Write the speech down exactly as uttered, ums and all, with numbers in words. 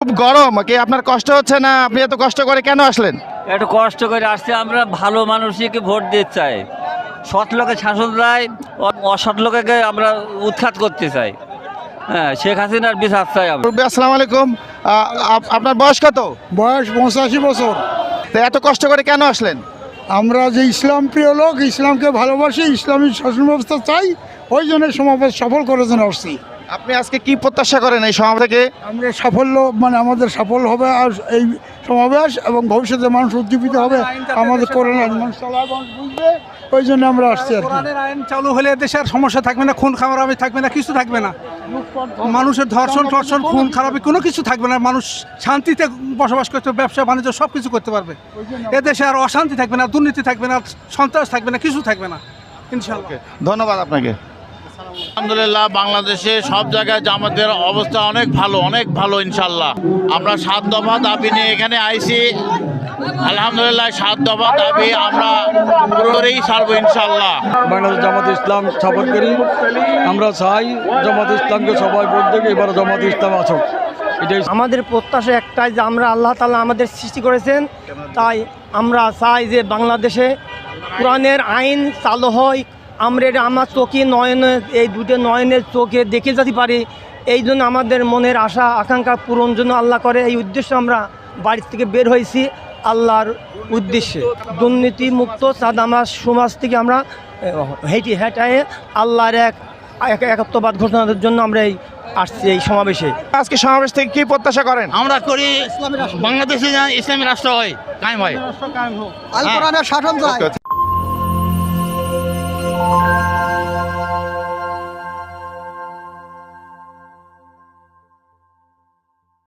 খুব গরম, কি আপনার কষ্ট হচ্ছে না? আপনি এত কষ্ট করে কেন আসলেন? একটু কষ্ট করে আসছে, আমরা ভালো মানুষকে ভোট দিতে চাই। সৎ লোকে শাসন চাই, অসৎ লোকে আমরা উৎখাত করতে চাই। হ্যাঁ, শেখ হাসিনার বিচার চাই আমরা। আসসালামু আলাইকুম, আ- আপ- আপনার বয়স কত? বয়স পঁচাশি বছর। তো এত কষ্ট করে কেন আসলেন? আমরা যে ইসলাম প্রিয় লোক, ইসলামকে ভালোবাসি, ইসলামী শাসন ব্যবস্থা চাই, ওই জন্য সমাবেশ সফল করার জন্য আসছি। আপনি আজকে কি প্রত্যাশা করেন এই সমাবেশ থেকে? আমরা সাফল্য মানে আমাদের সাফল্য হবে আর এই সমাবেশ, এবং ভবিষ্যতে মানুষ উজ্জীবিত হবে, আমাদের করোনা মানুষ চালায়, মানুষ বুঝবে, ওই জন্য আমরা আসছি আর কি। কোরআনের আইন চালু হলে দেশের সমস্যা থাকবে না, খুন খারাপি থাকবে না, কিছু থাকবে না। মানুষের ধর্ষণ টর্ষণ খুন খারাপি কোনো কিছু থাকবে না। মানুষ শান্তিতে বসবাস করতে, ব্যবসা বাণিজ্য সব কিছু করতে পারবে। এদেশে আর অশান্তি থাকবে না, দুর্নীতি থাকবে না, সন্ত্রাস থাকবে না, কিছু থাকবে না ইনশাআল্লাহ। ধন্যবাদ আপনাকে। আলহামদুলিল্লাহ, বাংলাদেশে সব জায়গায় জামাতের অবস্থা অনেক ভালো, অনেক ভালো ইনশাল্লাহ। আমরা সাত দফা দাবি নিয়ে এখানে আইছি। আলহামদুলিল্লাহ, সাত দফা দাবি আমরা পুরোপুরি সারবো ইনশাল্লাহ। বাংলাদেশ জামাত ইসলাম সাপোর্ট করি। আমরা চাই জামাত ইসলামকে সবাই ভোট দেবে, এবার জামাত ইসলাম আসুক, এটাই আমাদের প্রত্যাশা একটাই যে আমরা আল্লাহ তাআলা আমাদের সৃষ্টি করেছেন, তাই আমরা চাই যে বাংলাদেশে কোরআনের আইন চালু হয়। আমরা এটা আমার চোখে নয়নে, এই দুটো নয়নের চোখে দেখে যেতে পারি। এই জন্য আমাদের মনের আশা আকাঙ্ক্ষা পূরণ জন্য আল্লাহ করে, এই উদ্দেশ্যে আমরা বাড়ি থেকে বের হয়েছি আল্লাহর উদ্দেশ্যে। দুর্নীতি মুক্ত চাঁদামাজ সমাজ থেকে আমরা হেঁটে হেঁটায়ে আল্লাহর এক এক- একত্ববাদ ঘোষণার জন্য আমরা এই আসছি এই সমাবেশে। আজকে সমাবেশ থেকে কি প্রত্যাশা করেন? আমরা করি বাংলাদেশে ইসলামী রাষ্ট্র হয়, কায়েম হয়। আল কোরআনের শাসন চাই।